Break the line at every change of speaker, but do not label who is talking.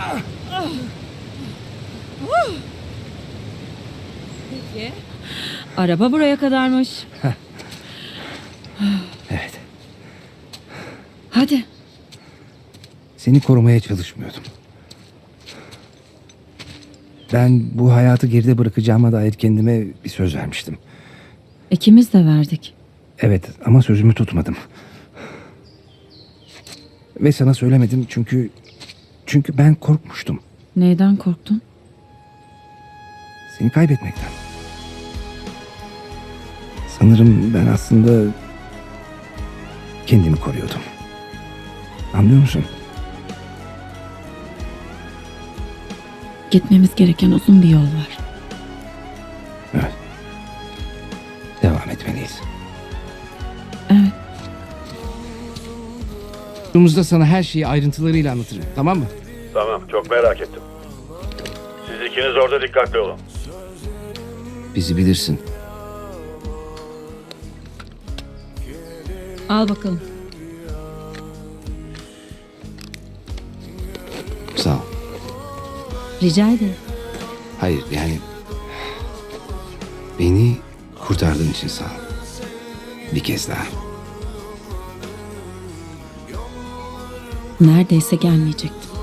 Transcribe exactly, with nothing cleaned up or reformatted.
Peki. Araba buraya kadarmış.
Evet.
Hadi.
Seni korumaya çalışmıyordum. Ben bu hayatı geride bırakacağıma dair kendime bir söz vermiştim.
İkimiz de verdik.
Evet ama sözümü tutmadım. Ve sana söylemedim çünkü... Çünkü ben korkmuştum.
Neyden korktun?
Seni kaybetmekten. Sanırım ben aslında kendimi koruyordum. Anlıyor musun?
Gitmemiz gereken uzun bir yol var.
Evet. Devam etmeliyiz.
Evet.
Durumumuzda sana her şeyi ayrıntılarıyla anlatırım. Tamam mı?
Tamam, çok merak ettim. Siz ikiniz orada dikkatli olun.
Bizi bilirsin.
Al bakalım.
Sağ ol.
Rica ederim.
Hayır yani... Beni kurtardığın için sağ ol. Bir kez daha.
Neredeyse gelmeyecektim.